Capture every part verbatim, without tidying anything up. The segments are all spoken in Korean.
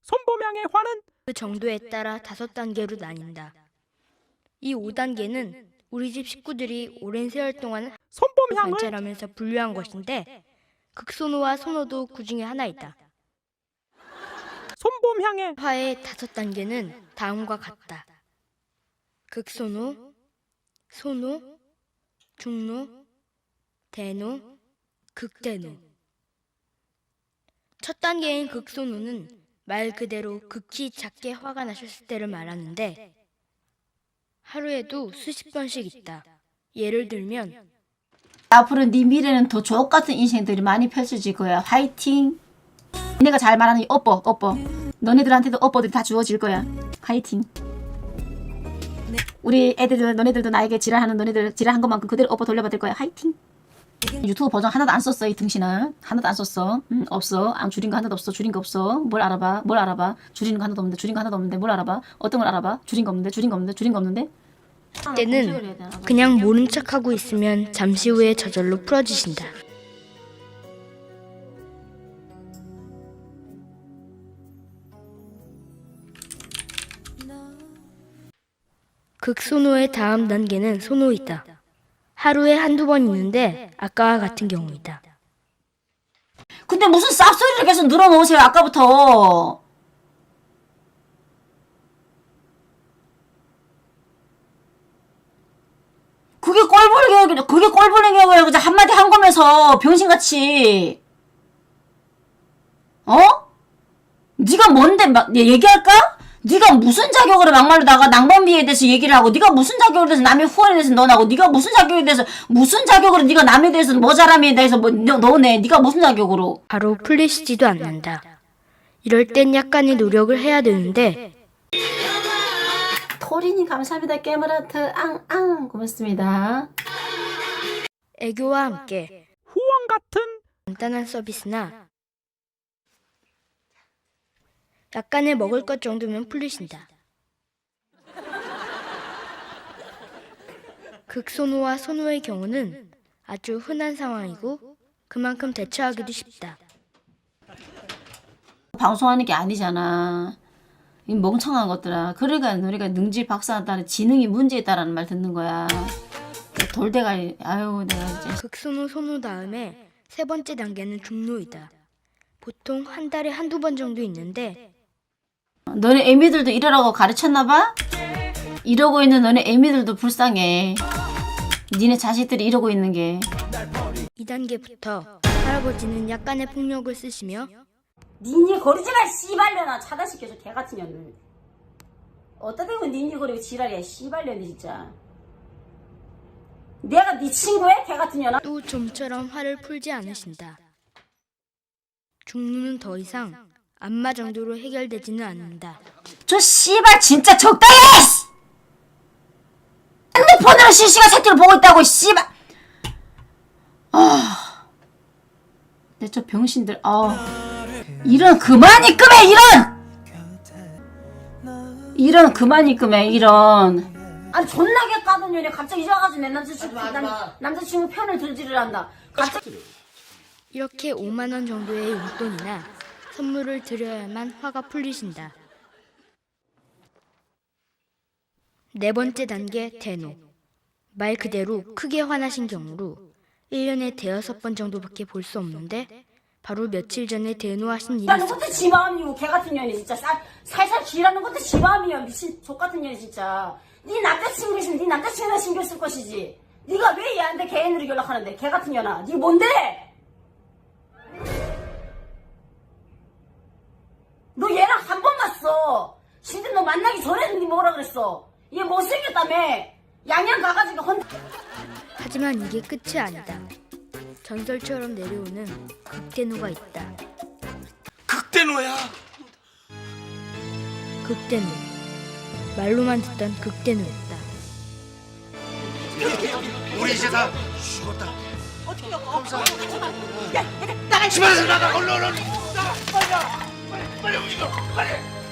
손범양의 화는 그 정도에 따라 다섯 단계로 나뉜다. 이 오 단계는 우리 집 식구들이 오랜 세월 동안 손범양을 관찰하면서 분류한 것인데 극소노와 소노도 그 중에 하나이다. 손범양의 화의 다섯 단계는 다음과 같다. 극소노, 소노, 중노, 대노, 극대노. 첫 단계인 극소노는 말 그대로 극히 작게 화가 나셨을 때를 말하는데 하루에도 수십 번씩 있다. 예를 들면 앞으로 네 미래는 더 주옥같은 인생들이 많이 펼쳐질 거야. 화이팅. 내가 잘 말하는 이 업보 업보 너네들한테도 업보들이 다 주어질 거야. 화이팅. 우리 애들 너네들도 나에게 지랄하는 너네들 지랄한 것만큼 그대로 업보 돌려받을 거야. 화이팅. 유튜브 버전 하나도 안 썼어. 이 등신아 하나도 안 썼어. 응, 없어. 안 줄인 거 하나도 없어. 줄인 거 없어. 뭘 알아봐. 뭘 알아봐. 줄이는 거 하나도 없는데 줄인 거 하나도 없는데 뭘 알아봐. 어떤 걸 알아봐. 줄인 거 없는데 줄인 거 없는데 줄인 거 없는데 때는 그냥 모른 척하고 있으면 잠시 후에 저절로 풀어지신다. 극소노의 다음 단계는 소노이다. 하루에 한두 번 있는데 아까와 같은 경우이다. 근데 무슨 쌉소리를 계속 늘어놓으세요. 아까부터. 그게 꼴보는 경우야. 그게 꼴보는 경우야. 그냥 한마디 한 거면서 병신같이. 어? 네가 뭔데 막 얘기할까? 네가 무슨 자격으로 막말로 나가 낭범비에 대해서 얘기를 하고 네가 무슨 자격으로 대해서 남의 후원에 대해서 너나고 네가 무슨 자격에 대해서 무슨 자격으로 네가 남에 대해서 뭐 잘함에 대해서 뭐 너, 너네 네가 무슨 자격으로 바로 풀리시지도 않는다. 이럴 땐 약간의 노력을 해야 되는데 토리님 감사합니다. 깨물하트 앙앙 고맙습니다. 애교와 함께 후원 같은 간단한 서비스나 약간의 먹을 것 정도면 풀리신다. 극소노와 소노의 경우는 아주 흔한 상황이고 그만큼 대처하기도 쉽다. 방송하는 게 아니잖아. 이 멍청한 것들아. 그러니까 우리가 능지 박사한다는 지능이 문제 있다라는 말 듣는 거야. 돌대가리. 아유 내가 이제. 극소노 소노 다음에 세 번째 단계는 중노이다. 보통 한 달에 한두 번 정도 있는데 너네 애미들도 이러라고 가르쳤나봐? 이러고 있는 너네 애미들도 불쌍해. 니네 자식들이 이러고 있는 게. 이 단계부터 할아버지는 약간의 폭력을 쓰시며 니니 거리지마 씨발려나 차단시켜줘 개같은 년을. 어따 대고 니니 거리고 지랄이야 씨발년이 진짜. 내가 네 친구야 개같은 년아? 또 좀처럼 화를 풀지 않으신다. 중노는 더 이상 안마 정도로 해결되지는 않는다. 저 씨발 진짜 적당히 해! 핸드폰으로 실시간 새끼를 보고 있다고 씨발. 아, 내 저 병신들. 아, 이런 그만 입금해 이런. 이런 그만 입금해 이런. 아니 존나게 까던 년이 갑자기 이제 와가지고 내 남자친구 남, 남자친구 편을 들지를 한다. 갑자기. 이렇게 오만 원 정도의 용돈이나 선물을 드려야만 화가 풀리신다. 네 번째 단계 대노. 말 그대로 크게 화나신 경우로 일 년에 대여섯 번 정도밖에 볼 수 없는데 바로 며칠 전에 대노하신 일이 일하는 것도 지 마음이고 개같은 년이 진짜 살, 살살 쥐라는 것도 지 마음이야. 미친 족같은 년이 진짜. 네 남자친구 있으면 네 남자친구나 신경 쓸 것이지. 네가 왜 얘한테 개인으로 연락하는데 개같은 년아. 네 뭔데? 너 얘랑 한 번 봤어. 진짜 너 만나기 전에는 네 뭐라 그랬어. 얘 못생겼다며. 양양 가가지고 헌. 하지만 이게 끝이 아니다. 전설처럼 내려오는 극대노가 있다. 극대노야. 극대노. 말로만 듣던 극대노였다. 우리 이제 다 죽었다. 어떻게 나가? 야, 나가. 집안에서 나가. 얼른 얼른. 나가. 빨리 나. 빨리 빨리 움직여. 빨리.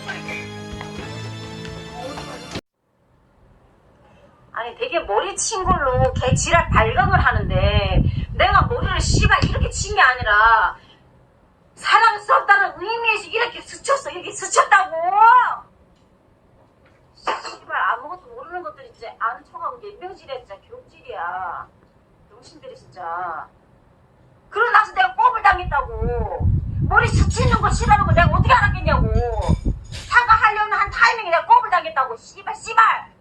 아니 되게 머리 친 걸로 개 지랄 발각을 하는데 내가 머리를 씨발 이렇게 친 게 아니라 사랑스럽다는 의미에서 이렇게 스쳤어. 이렇게 스쳤다고. 씨발 아무것도 모르는 것들이 진짜 아는 척하고 연병질이야. 진짜 교육질이야. 병신들이 진짜. 그러고 나서 내가 꼽을 당했다고. 머리 스치는 거 싫어하는 거 내가 어떻게 알았겠냐고. 사과하려는 한 타이밍에 내가 꼽을 당했다고. 씨발 씨발.